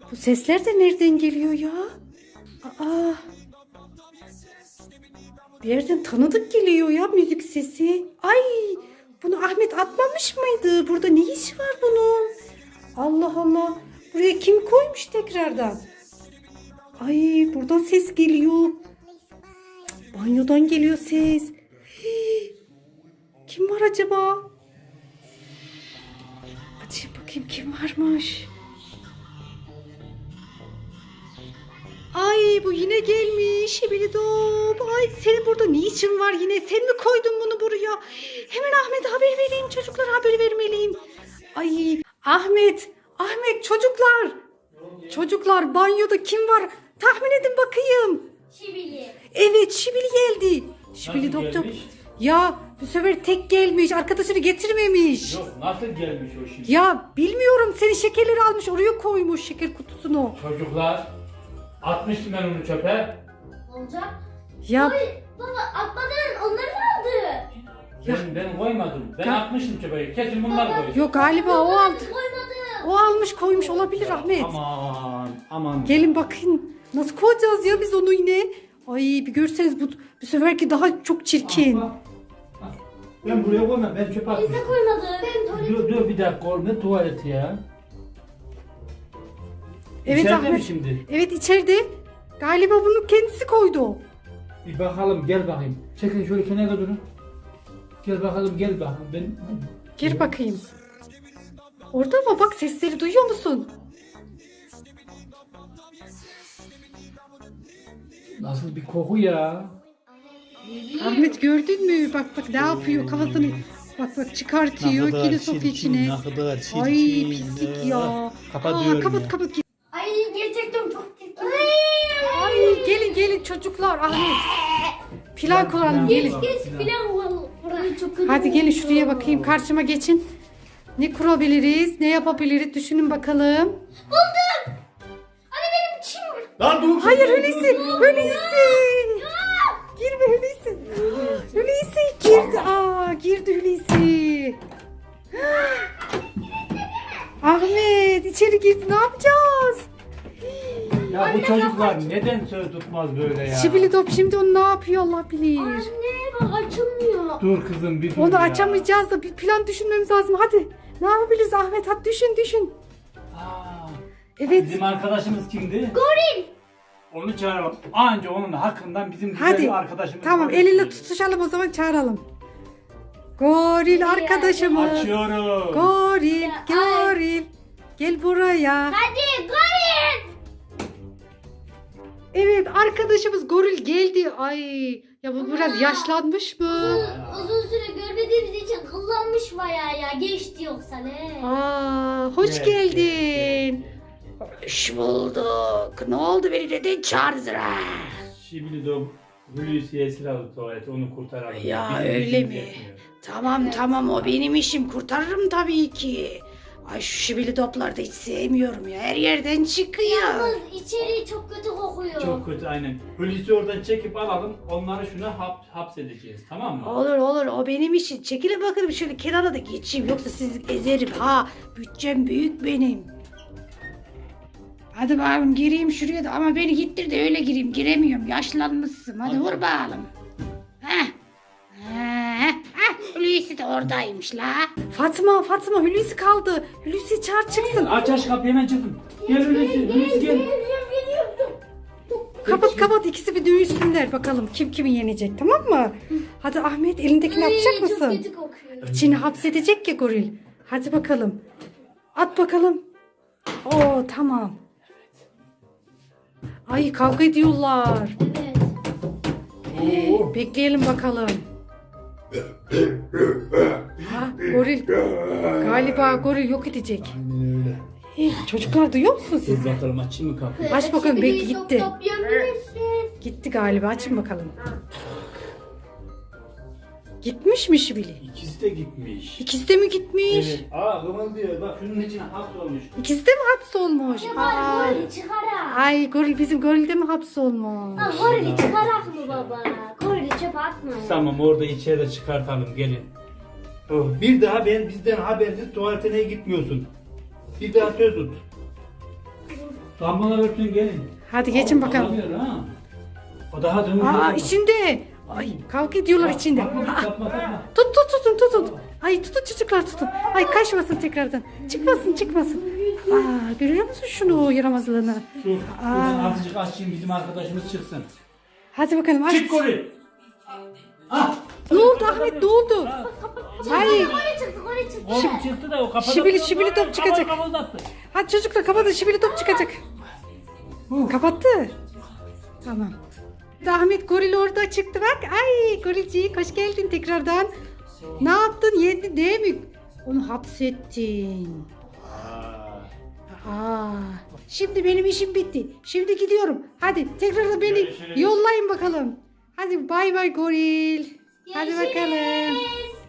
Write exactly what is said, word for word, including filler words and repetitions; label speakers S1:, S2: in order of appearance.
S1: Bu sesler de nereden geliyor ya? Aa. Bir yerden tanıdık geliyor ya müzik sesi. Ay, bunu Ahmet atmamış mıydı? Burada ne iş var bunun? Allah Allah. Buraya kim koymuş tekrardan? Ay, buradan ses geliyor. Banyodan geliyor ses. Hii. Kim var acaba? Açayım bakayım kim varmış. Ay, bu yine gelmiş. Şibilidop. Ay, senin burada ne işin var yine? Sen mi koydun bunu buraya? Hemen Ahmet'e haber vereyim. Çocuklara haber vermeliyim. Ay, Ahmet. Ahmet, çocuklar. Çocuklar, banyoda kim var? Tahmin edin bakayım.
S2: Şibili.
S1: Evet, Şibili geldi. Şibili
S3: Nasıl
S1: doktor.
S3: gelmiş?
S1: Ya bu sefer tek gelmiş. Arkadaşını getirmemiş.
S3: Yok, nasıl gelmiş o şimdi?
S1: Ya bilmiyorum, senin şekerleri almış oraya koymuş, şeker kutusunu.
S3: Çocuklar, atmıştım ben onu çöpe.
S2: Olacak.
S1: Ya
S2: Oy, baba atmadan onları mı aldı?
S3: Ben, ben koymadım. Ben
S1: Ya-
S3: atmıştım çöpe. Kesin bunlar
S2: Baba-
S3: koydu.
S1: yok galiba o aldı.
S2: Koymadı.
S1: O almış koymuş olabilir Ahmet.
S3: Aman, aman.
S1: Gelin bakın. Nasıl koyacağız ya biz onu yine? Ay, bir görseniz bu, bu seferki daha çok çirkin.
S3: Ah, bak. Ah, Ben buraya koymam. Ben çöpe
S2: Biz de
S3: atmıştım.
S2: koymadı. Ben tuvalet.
S3: Dur dur bir dakika oğlum, ne tuvaleti ya?
S1: Evet
S3: İçeride mi
S1: Ahmet.
S3: şimdi?
S1: Evet, içeride. Galiba bunu kendisi koydu.
S3: Bir bakalım, gel bakayım. Çekin şöyle kenara durun. Gel bakalım, gel bakalım. Ben...
S1: Gir bakayım. Orada mı? Bak, sesleri duyuyor musun?
S3: Nasıl bir koku ya?
S1: Ahmet, gördün mü? Bak bak ne yapıyor kafasını. Bak bak çıkartıyor. Yine sokuyor içine.
S4: Ne kadar çirkin.
S1: Ay, pislik ya.
S4: Kapatıyorum
S1: Aa, kapat
S4: ya.
S1: kapat.
S2: Ay gerçekten çok çirkin.
S1: Ay, gelin gelin çocuklar, Ahmet. Plan kuralım, gelin.
S2: Geç filan var. Burayı çok kötü.
S1: Hadi gelin şuraya bakayım, karşıma geçin. Ne kurabiliriz, ne yapabiliriz düşünün bakalım.
S2: Buldum. Anne benim çim var.
S4: Lan dur.
S1: Hayır Hulusi, Hulusi. Girme Hulusi. Hulusi girdi. Aa, girdi Hulusi. Ahmet içeri girdi, ne yapacağız?
S3: Ya bu çocuklar neden söz tutmaz böyle ya?
S1: Şibili top şimdi onu ne yapıyor Allah bilir.
S2: Anne bak açılmıyor.
S3: Dur kızım bir dur
S1: Onu
S3: ya.
S1: açamayacağız da bir plan düşünmemiz lazım. Hadi ne yapabiliriz Ahmet, hadi düşün düşün.
S3: Aa,
S1: Evet.
S3: Bizim arkadaşımız kimdi?
S2: Goril.
S3: Onu çağıralım. Anca onun hakkından bizim güzel
S1: Hadi.
S3: bir arkadaşımız.
S1: Tamam,
S3: var.
S1: eliyle tutuşalım o zaman, çağıralım. Goril arkadaşımız.
S3: Açıyorum.
S1: Goril,
S2: Ya,
S1: goril. Gel buraya.
S2: Hadi goril.
S1: Evet, arkadaşımız goril geldi. Ay, ya bu biraz yaşlanmış mı?
S2: Uzun, uzun süre görmediğimiz için kullanmış bayağı ya. Geçti yoksa ne?
S1: Aa, hoş
S3: Evet,
S1: geldin.
S3: evet,
S1: Hoş bulduk. Ne oldu, beni neden çağırdın ha?
S3: Şimdi de Hulusi esir aldı tuvaleti, onu kurtaralım.
S1: Ya,
S3: Bizim
S1: öyle
S3: işimiz
S1: mi?
S3: yetmiyor.
S1: Tamam tamam, o benim işim, kurtarırım tabii ki. Ay, şu şibili topları da hiç sevmiyorum ya, her yerden çıkıyor.
S2: Yalnız içeri çok kötü kokuyor.
S3: Çok kötü aynen. Hulusi oradan çekip alalım, onları şuna hap, hapsedeceğiz, tamam mı?
S1: Olur olur, o benim işim. Çekilin bakalım şöyle kenara da geçeyim, yoksa sizi ezerim ha. Bütçem büyük benim. Hadi bakalım, gireyim şuraya da, ama beni gittir de öyle gireyim, giremiyorum, yaşlanmışsın. Hadi vur bakalım. Heh. Heh. Heh. Hulusi de oradaymış la. Fatma Fatma, Hulusi kaldı. Hulusi çağır çıksın.
S3: Aç aç kapıyı, hemen çıkın. Gel Hulusi, Hulusi gel.
S2: Geliyorum geliyorum.
S1: Kapat kapat, ikisi bir dövüşsünler bakalım kim kimi yenecek, tamam mı? Hadi Ahmet, elindekini
S2: Ay,
S1: atacak
S2: Çok
S1: mısın?
S2: kötü kokuyor.
S1: İçini hapsedecek ya goril. Hadi bakalım. At bakalım. Oo, tamam. Ay, kavga ediyorlar.
S2: Evet.
S3: Oo.
S1: Bekleyelim bakalım. Ha, goril. Galiba goril yok edecek.
S4: Aynen öyle.
S1: Hey, çocuklar duyuyor musunuz siz?
S3: Dur bakalım, açayım mı kapıyı?
S1: Aç bakalım, belki
S2: Şibili çok
S1: gitti.
S2: toplayabilirsin.
S1: Gitti galiba, açın bakalım. Gitmiş mi Şibili?
S3: İkisi de gitmiş.
S1: İkisi de mi gitmiş?
S3: Evet. Aa, kımıldıyor. Bak şunun içine hapsolmuş.
S1: İkisi de mi hapsolmuş?
S2: Ya
S1: Aa.
S2: bari gorili çıkarak.
S1: Ay, goril, bizim goril de mi hapsolmuş?
S2: Ha, gorili çıkarak mı baba? Gorili çöpe atma ya.
S3: Tamam, orada içeri çıkartalım, gelin. Oh, bir daha ben bizden habersiz tuvaletine gitmiyorsun. Bir daha söz tut. Damlalar örtün gelin.
S1: Hadi geçin
S3: Al-
S1: bakalım.
S3: alamıyor ha. O daha dönüyor.
S1: Aa içinde. Ay kavga ediyorlar içinde.
S3: Bakma,
S1: Aa,
S3: tapma, tapma.
S1: tut tut tutun tutun. Ay tutun çocuklar tutun. Ay kaçmasın tekrardan. Çıkmasın çıkmasın. Aa görüyor musun şunu yaramazlığını?
S3: Dur. Buradan azıcık açayım bizim arkadaşımız çıksın.
S1: Hadi bakalım aç.
S3: Çık goril. Ah.
S1: Ne oldu Ahmet ne oldu? Ay
S2: Oraya çıktık oraya çıktık.
S3: Oğlum çıktı da o kapadı.
S1: Şibili- şibili top çıkacak.
S3: Kapalı kapalı
S1: hadi çocuklar kapatın şibili top çıkacak. Kapattı. Tamam. Ahmet goril orada çıktı bak. Ay gorilcik hoş geldin tekrardan. Ne yaptın yedin değil mi? Onu hapsettin. Aa, şimdi benim işim bitti. Şimdi gidiyorum. Hadi tekrar beni
S3: Görüşürüz.
S1: yollayın bakalım. Hadi bay bay goril. Hadi bakalım.
S2: Görüşürüz.